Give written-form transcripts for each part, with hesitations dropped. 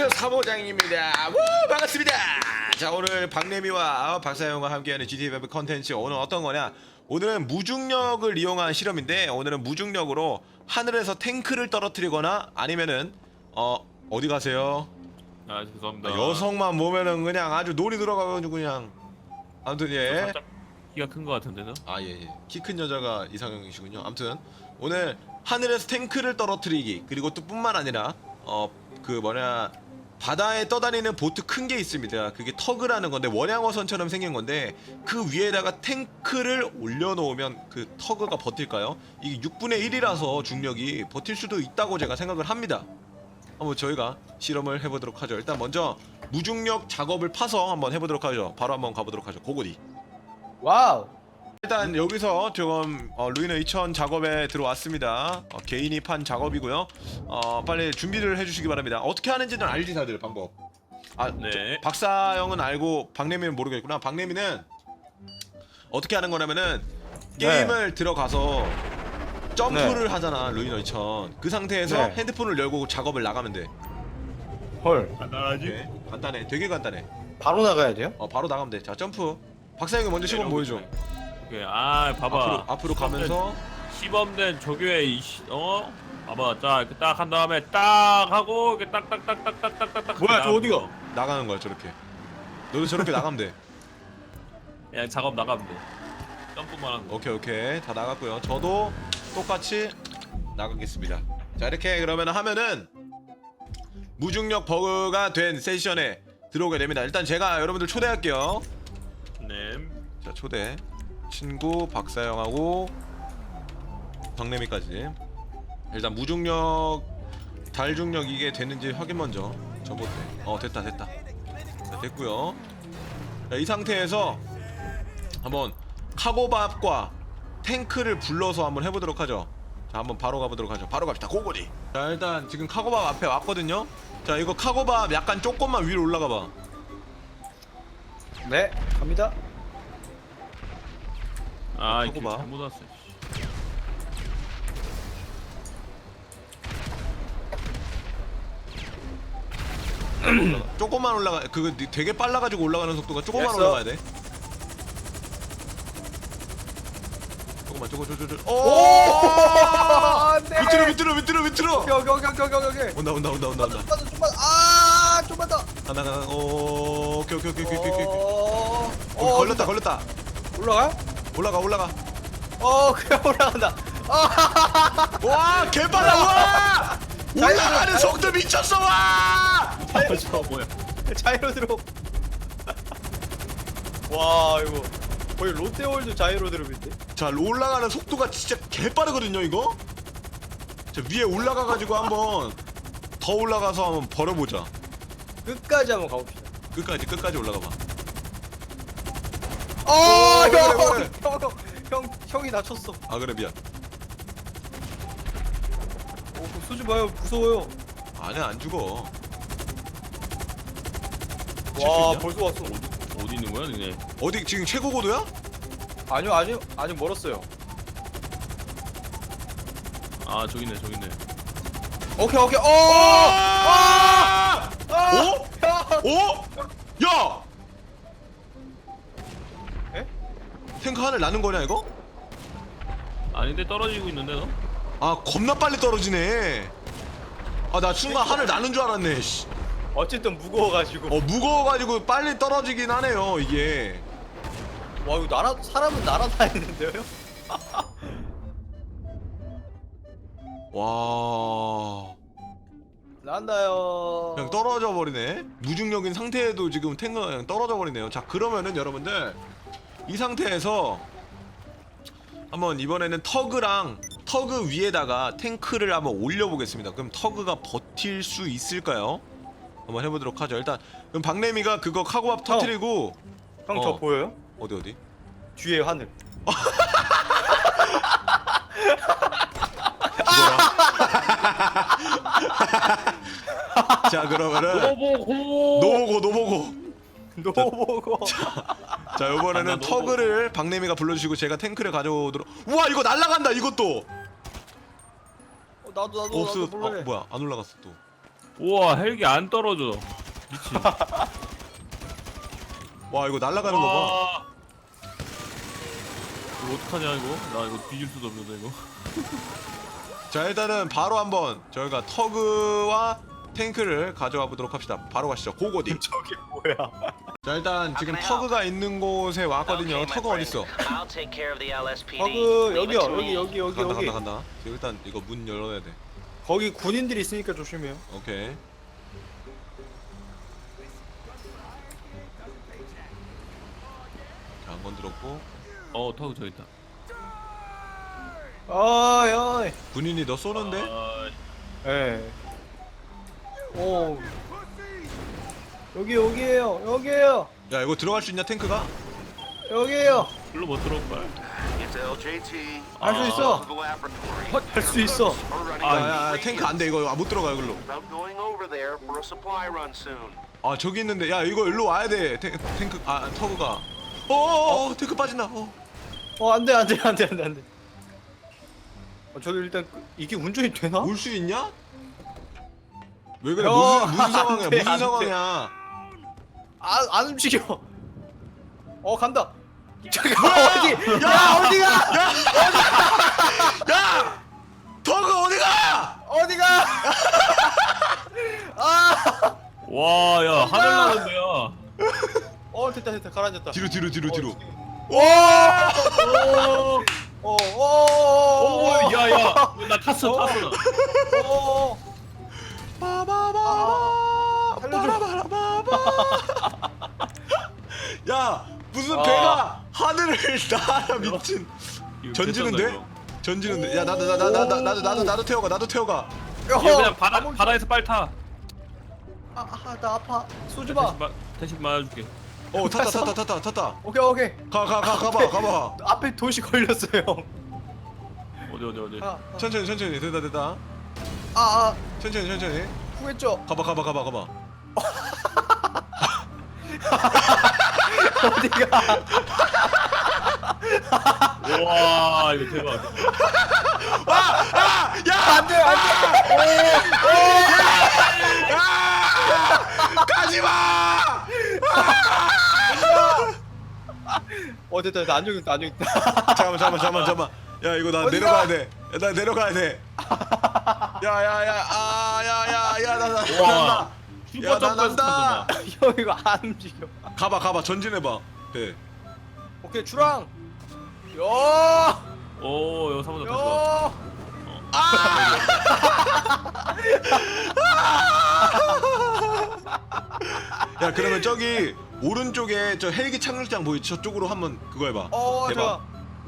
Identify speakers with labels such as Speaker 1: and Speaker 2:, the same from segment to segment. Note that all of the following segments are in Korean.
Speaker 1: 안녕하세요, 사모장입니다. 우, 반갑습니다. 자, 오늘 박래미와 박사영과 함께하는 GTA 5 컨텐츠 오늘 어떤 거냐? 오늘은 무중력을 이용한 실험인데, 오늘은 무중력으로 하늘에서 탱크를 떨어뜨리거나 아니면은 어디 가세요?
Speaker 2: 아 죄송합니다.
Speaker 1: 여성만 보면은 그냥 아주 놀이 들어가가지고 그냥. 아무튼 예.
Speaker 2: 살짝 키가 큰 거 같은데요?
Speaker 1: 예. 키 큰 여자가 이상형이시군요. 아무튼 오늘 하늘에서 탱크를 떨어뜨리기, 그리고 또 뿐만 아니라 바다에 떠다니는 보트 큰 게 있습니다. 그게 터그라는 건데, 원양어선처럼 생긴 건데 그 위에다가 탱크를 올려놓으면 그 터그가 버틸까요? 이게 6분의 1이라서 중력이 버틸 수도 있다고 제가 생각을 합니다. 한번 저희가 실험을 해보도록 하죠. 일단 먼저 무중력 작업을 파서 한번 해보도록 하죠. 바로 한번 가보도록 하죠. 고고디.
Speaker 3: 와우.
Speaker 1: 일단 여기서 지금 루이너 2000 작업에 들어왔습니다. 개인이 판 작업이고요. 빨리 준비를 해주시기 바랍니다. 어떻게 하는지는 알지 다들 방법.
Speaker 2: 네.
Speaker 1: 박사형은 알고 박래미는 모르겠구나. 박래미는 어떻게 하는 거냐면은 게임을 들어가서 점프를 하잖아, 루이너 2000. 그 상태에서
Speaker 3: 네.
Speaker 1: 핸드폰을 열고 작업을 나가면 돼.
Speaker 3: 헐.
Speaker 2: 간단하지?
Speaker 1: 네, 간단해, 되게 간단해.
Speaker 3: 바로 나가야 돼요?
Speaker 1: 바로 나가면 돼. 자, 점프. 박사형이 먼저 시범 보여줘.
Speaker 2: 오케이. 아 봐봐.
Speaker 1: 앞으로 가면서.
Speaker 2: 시범된 조교의 봐봐. 자 이렇게 딱 한 다음에 딱 하고 이렇게 딱딱딱딱딱딱딱.
Speaker 3: 뭐야, 저 어디가?
Speaker 1: 나가는 거야, 저렇게. 너도 저렇게 나가면 돼.
Speaker 2: 그냥 작업 나가면 돼. 점프만 하는 거.
Speaker 1: 오케이. 다 나갔고요. 저도 똑같이 나가겠습니다. 자, 이렇게 그러면 하면은 무중력 버그가 된 세션에 들어오게 됩니다. 일단 제가 여러분들 초대할게요.
Speaker 2: 네.
Speaker 1: 자, 초대. 친구 박사영하고 박래미까지. 일단 무중력, 달중력 이게 되는지 확인 먼저. 저부터. 됐다. 자, 됐고요. 자, 이 상태에서 한번 카고밥과 탱크를 불러서 한번 해보도록 하죠. 자, 한번 바로 가보도록 하죠. 바로 갑시다. 고고리. 자, 일단 지금 카고밥 앞에 왔거든요. 자, 이거 카고밥 약간 조금만 위로 올라가봐.
Speaker 3: 네, 갑니다.
Speaker 2: 아
Speaker 1: 하고
Speaker 2: 이거
Speaker 1: 봐.
Speaker 2: 잘못 왔어.
Speaker 1: 조금만 올라가. 그거 되게 빨라가지고 올라가는 속도가 조금만
Speaker 3: 됐어.
Speaker 1: 올라가야 돼. 조금만.
Speaker 3: 안돼.
Speaker 1: 밑으로.
Speaker 3: 오케이.
Speaker 1: 온다.
Speaker 3: 좀만 더.
Speaker 1: 하나. 오케이. 걸렸다.
Speaker 3: 올라가?
Speaker 1: 올라가.
Speaker 3: 그냥 올라간다.
Speaker 1: 와, 개빨라. 와! 올라가는 속도 미쳤어. 와!
Speaker 2: 저거 뭐야?
Speaker 3: 자이로 드롭. 와, 이거 거의 롯데월드 자이로 드롭인데.
Speaker 1: 자, 올라가는 속도가 진짜 개빠르거든요, 이거. 자, 위에 올라가가지고 한번 더 올라가서 한번 벌어보자.
Speaker 3: 끝까지 한번 가봅시다.
Speaker 1: 끝까지 올라가봐. 그래.
Speaker 3: 형이 다쳤어.
Speaker 1: 아, 그래, 미안.
Speaker 3: 쏘지 마요, 무서워요.
Speaker 1: 아니야, 안 죽어.
Speaker 3: 와,
Speaker 1: 있냐?
Speaker 3: 벌써 왔어.
Speaker 2: 어디 있는 거야, 니네?
Speaker 1: 어디 지금 최고 고도야?
Speaker 3: 아니요, 아직 멀었어요.
Speaker 2: 아 저기 있네.
Speaker 3: 오케이.
Speaker 1: 야!
Speaker 3: 에?
Speaker 1: 탱크 하늘 나는 거냐 이거?
Speaker 2: 아닌데 떨어지고 있는데 너?
Speaker 1: 아, 겁나 빨리 떨어지네. 아, 나 순간 하늘 나는 줄 알았네. 씨.
Speaker 3: 어쨌든 무거워가지고.
Speaker 1: 무거워가지고 빨리 떨어지긴 하네요, 이게.
Speaker 3: 와, 이거 사람은 날아다니는데요?
Speaker 1: 와,
Speaker 3: 난다요.
Speaker 1: 그냥 떨어져 버리네. 무중력인 상태에도 지금 탱크가 그냥 떨어져 버리네요. 자, 그러면은 여러분들 이 상태에서 한번 이번에는 터그 위에다가 탱크를 한번 올려보겠습니다. 그럼 터그가 버틸 수 있을까요? 한번 해보도록 하죠. 일단 그럼 박래미가 그거 카고밥 터트리고.
Speaker 3: 형, 저 보여요?
Speaker 1: 어디?
Speaker 3: 뒤에 하늘.
Speaker 1: 자, 그러면은
Speaker 2: 노보고.
Speaker 3: 노보고.
Speaker 1: 자, 이번에는
Speaker 2: 아, 나 너무-
Speaker 1: 터그를 박래미가 불러주시고 제가 탱크를 가져오도록. 우와, 이거 날아간다. 이것도
Speaker 3: 나도
Speaker 1: 없어.
Speaker 3: 몰래.
Speaker 1: 뭐야, 안 올라갔어 또.
Speaker 2: 우와 헬기 안 떨어져. 미친.
Speaker 1: 와 이거 날아가는 거 봐.
Speaker 2: 와. 이거 어떡하냐 이거? 나 이거 뒤질 수도 없는데 이거.
Speaker 1: 자 일단은 바로 한번 저희가 터그와 탱크를 가져가 보도록 합시다. 바로 가시죠. 고고디.
Speaker 3: 저게 뭐야?
Speaker 1: 자 일단 지금 터그가 있는 곳에 왔거든요. 터그 어디 있어?
Speaker 3: 버그 여기요. 여기
Speaker 1: 간다 간다 간다. 지금 일단 이거 문 열어야 돼.
Speaker 3: 거기 군인들이 있으니까 조심해요.
Speaker 1: 오케이. 자, 한 건 들었고.
Speaker 2: 터그 저기 있다.
Speaker 3: 어이.
Speaker 1: 군인이 너 쏘는데?
Speaker 3: 예. 오. 여기에요.
Speaker 1: 야 이거 들어갈 수 있냐 탱크가?
Speaker 3: 여기에요.
Speaker 2: 글로 못 들어올 걸.
Speaker 3: 할 수 있어. 할 수 있어.
Speaker 1: 야야 탱크 안 돼 이거 못 들어가 이걸로. 아 저기 있는데 야 이거 일로 와야 돼 탱크 아 터그가. 탱크 빠진다.
Speaker 3: 안 돼. 저기 일단 이게 운전이 되나?
Speaker 1: 올 수 있냐? 왜 그래?
Speaker 3: 야,
Speaker 1: 무슨 상황이야?
Speaker 3: 안 돼,
Speaker 1: 무슨
Speaker 3: 안 돼.
Speaker 1: 상황이야?
Speaker 3: 안 움직여. 간다. 잠깐 어디? 야 어디가?
Speaker 1: 야! 터그 어디가?
Speaker 3: 어디가? 아!
Speaker 2: 와, 야 하늘 나는데요.
Speaker 3: 됐다 가라앉았다.
Speaker 1: 뒤로.
Speaker 3: 와!
Speaker 2: 오, 야야, 나 탔어.
Speaker 1: 야 무슨 배가 하늘을 날아 미친.
Speaker 2: 이거
Speaker 1: 전지는데?
Speaker 2: 괜찮다,
Speaker 1: 전지는데. 야 나도 태워가.
Speaker 2: 이거 그냥 바다에서 빨리 타.
Speaker 3: 나 아파. 쏘지 마.
Speaker 2: 대신 맞아줄게.
Speaker 1: 탔다.
Speaker 3: 오케이.
Speaker 1: 가봐.
Speaker 3: 앞에 도시 걸렸어요.
Speaker 2: 어디.
Speaker 1: 천천히 됐다. 천천히.
Speaker 3: 후했죠.
Speaker 1: 가봐.
Speaker 3: 어디가?
Speaker 2: 와, 이거 대박.
Speaker 3: 안돼.
Speaker 1: 가지마!
Speaker 3: 됐다. 안정있다.
Speaker 1: 잠깐만. 야 이거 나
Speaker 3: 어디가?
Speaker 1: 내려가야 돼. 나 내려가야 돼. 야야야
Speaker 2: 와,
Speaker 1: 야, 나 난다.
Speaker 3: 형 이거 안 움직여.
Speaker 1: 가봐 전진해봐. 네.
Speaker 3: 오케이 주랑. 야!
Speaker 2: 오, 여기 사무장 다시 와.
Speaker 1: 야 그러면 저기 오른쪽에 저 헬기 착륙장 보이지? 저쪽으로 한번 그거 해봐. 해봐.
Speaker 3: 좋아.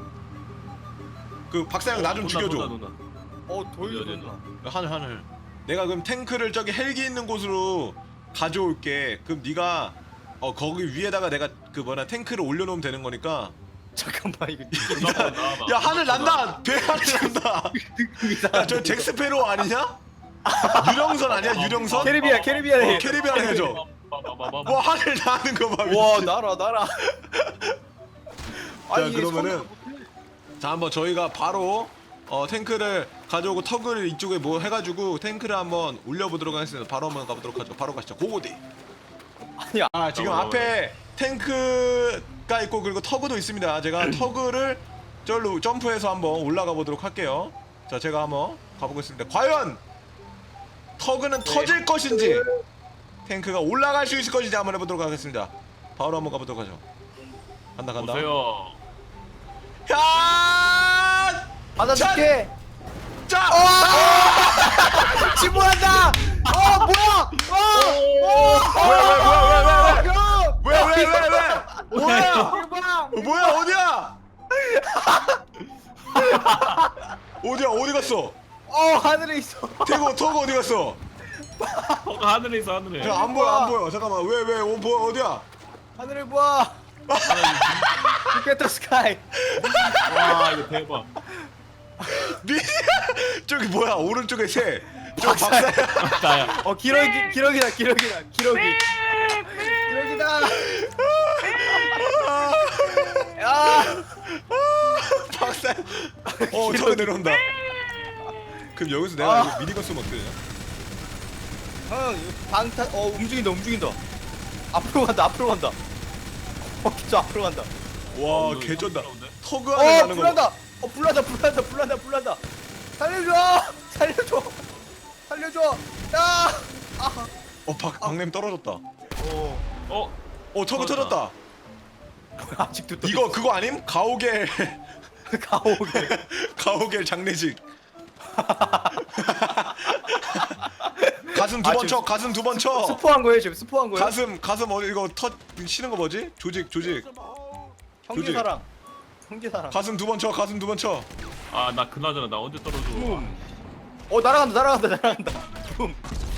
Speaker 1: 그 박사형 나 좀 죽여줘.
Speaker 2: 논다.
Speaker 3: 돌려
Speaker 2: 어디,
Speaker 3: 돈다.
Speaker 1: 하늘. 내가 그럼 탱크를 저기 헬기 있는 곳으로 가져올게. 그럼 네가 거기 위에다가 내가 그 탱크를 올려놓으면 되는 거니까.
Speaker 3: 잠깐만 이거
Speaker 1: 야 하늘 난다. 배 하늘 난다. 야 저 잭스페로 아니냐? 유령선 아니야 유령선?
Speaker 3: 캐리비안.
Speaker 1: 캐리비안 해줘. 와 하늘 나는 거 봐.
Speaker 3: 와
Speaker 1: 미친.
Speaker 3: 날아.
Speaker 1: 자 그러면은 자 한번 저희가 바로 탱크를 가져오고 터그를 이쪽에 뭐 해가지고 탱크를 한번 올려보도록 하겠습니다. 바로 한번 가보도록 하죠. 바로 가시죠. 고고디.
Speaker 3: 아니야.
Speaker 1: 지금 앞에 탱크가 있고 그리고 터그도 있습니다. 제가 터그를 절로 점프해서 한번 올라가 보도록 할게요. 자 제가 한번 가보겠습니다. 과연 터그는 터질 것인지 탱크가 올라갈 수 있을 것인지 한번 해보도록 하겠습니다. 바로 한번 가보도록 하죠. 간다.
Speaker 2: 보세요.
Speaker 1: 야!
Speaker 3: 받아줄게.
Speaker 1: 자!
Speaker 3: 침몰한다. 뭐야?
Speaker 1: 왜? 뭐야? 어디야? 어디 갔어?
Speaker 3: 하늘에 있어.
Speaker 1: 터그 어디 갔어?
Speaker 2: 하늘에 있어 하늘에.
Speaker 1: 안 보여. 잠깐만. 왜? 어디야?
Speaker 3: 하늘을 봐. Look at the sky.
Speaker 2: 와, 이거 대박.
Speaker 1: 저기 뭐야? 오른쪽에 새. 저 박사야.
Speaker 2: 나야.
Speaker 3: 기러기다. 야!
Speaker 1: 박사. 저기 내려온다. 그럼 여기서 내가 이거 미니건 쏘면 어떡해?
Speaker 3: 방탄 움직인다. 앞으로 간다. 진짜 앞으로 간다.
Speaker 1: 와
Speaker 2: 이거
Speaker 1: 개쩐다.
Speaker 2: 부끄러운데?
Speaker 1: 터그 안에 가는 거.
Speaker 3: 불난다. 살려줘. 야.
Speaker 1: 박냄 떨어졌다.
Speaker 2: 어?
Speaker 1: 터그
Speaker 2: 터졌다.
Speaker 1: 터졌다.
Speaker 3: 아직도 또
Speaker 1: 이거 그거 아님? 가오갤
Speaker 3: 가오게.
Speaker 1: 가오갤 장례식. 가슴 두 번 쳐. 가슴 두 번 쳐.
Speaker 3: 스포한 거예요 지금 스포한 거예요?
Speaker 1: 가슴 어디 이거 치는 거 뭐지? 조직.
Speaker 3: 형제사랑.
Speaker 1: 가슴 두 번 쳐. 가슴 두 번 쳐.
Speaker 2: 아 나 그나저나 나 언제 떨어져?
Speaker 3: 날아간다. 붐.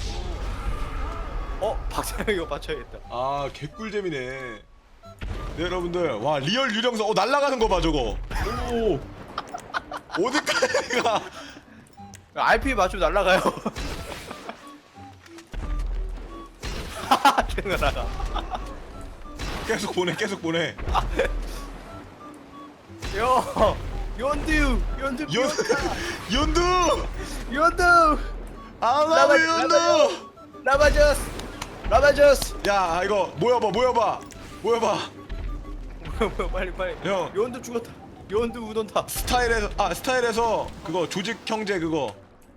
Speaker 3: 박사형 이거 맞춰야겠다.
Speaker 1: 아 개꿀잼이네. 네, 여러분들 와 리얼 유령선 날아가는 거 봐 저거.
Speaker 2: 오.
Speaker 1: 어디까지 가?
Speaker 3: RP 맞추면 날아가요. 계속 날아가.
Speaker 1: 계속 보내.
Speaker 3: 연두.
Speaker 1: 연두. 아마비 연두.
Speaker 3: 라바저스.
Speaker 1: 야 이거 모여봐.
Speaker 3: 빨리.
Speaker 1: 형.
Speaker 3: 연두 죽었다. 연두 우돈다.
Speaker 1: 스타일에서 그거 조직 형제 그거.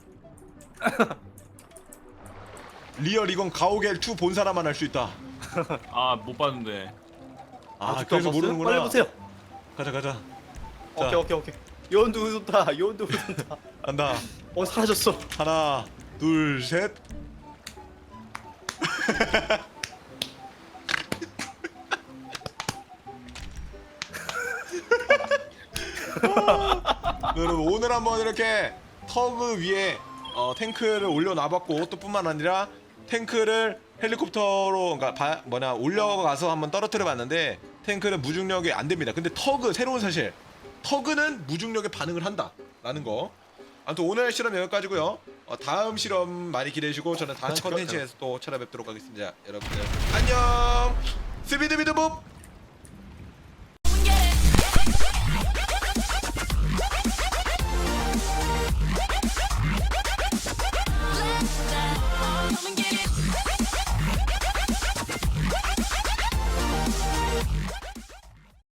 Speaker 1: 리얼 이건 가오갤 2 본 사람만 할 수 있다.
Speaker 2: 아 못 봤는데.
Speaker 3: 아직도 안
Speaker 1: 그래서
Speaker 3: 봤어요?
Speaker 1: 모르는구나.
Speaker 3: 빨리 보세요.
Speaker 1: 가자. 자.
Speaker 3: 오케이. 연두 우돈다.
Speaker 1: 간다.
Speaker 3: 사라졌어.
Speaker 1: 하나, 둘, 셋. 여러분 오늘 한번 이렇게 터그 위에 탱크를 올려놔봤고 또 뿐만 아니라 탱크를 헬리콥터로 그러니까 올려가서 한번 떨어뜨려봤는데 탱크는 무중력이 안 됩니다. 근데 터그 새로운 사실 터그는 무중력에 반응을 한다라는 거. 아무튼 오늘 실험 여기까지고요. 다음 실험 많이 기대해주시고 저는 다음 컨텐츠에서 또 찾아뵙도록 하겠습니다. 여러분들 안녕. 스비드비드봅.